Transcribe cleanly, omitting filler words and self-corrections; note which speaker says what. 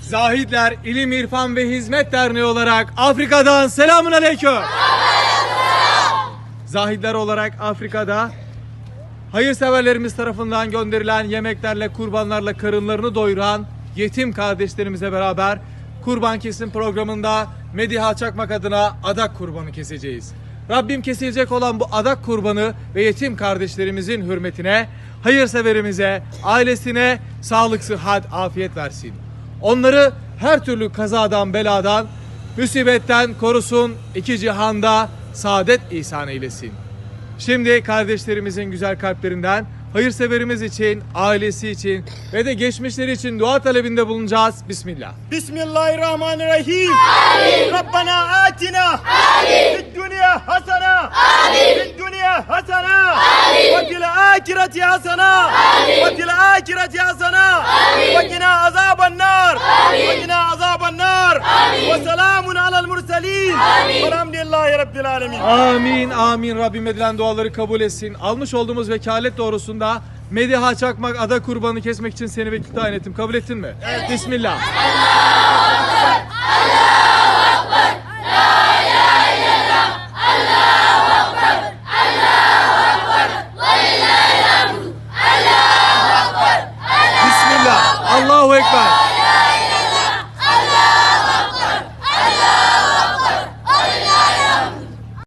Speaker 1: Zahidler İlim, İrfan ve Hizmet Derneği olarak Afrika'dan selamun aleyküm. Zahidler olarak Afrika'da hayırseverlerimiz tarafından gönderilen yemeklerle, kurbanlarla karınlarını doyuran yetim kardeşlerimize beraber kurban kesim programında Mediha Çakmak adına adak kurbanı keseceğiz. Rabbim kesilecek olan bu adak kurbanı ve yetim kardeşlerimizin hürmetine hayırseverimize, ailesine sağlık, sıhhat, afiyet versin. Onları her türlü kazadan, beladan, musibetten korusun, iki cihanda saadet ihsan eylesin. Şimdi kardeşlerimizin güzel kalplerinden hayırseverimiz için, ailesi için ve de geçmişleri için dua talebinde bulunacağız. Bismillah.
Speaker 2: Bismillahirrahmanirrahim. Rabbana atina fid dunya hasana fid dunya hasana ve fil ahireti hasana ve fil ahireti hasana ve qina azaban nar ve qina azaban nar ve selamun alel murselin velhamdülillahi rabbil alemin.
Speaker 1: Amin, amin. Rabbim edilen duaları kabul etsin. Almış olduğumuz vekalet doğrusunda Mediha Çakmak ada kurbanı kesmek için seni vekil tayin ettim. Kabul ettin mi? Evet. Bismillah. Bismillah. Allahu Ekber.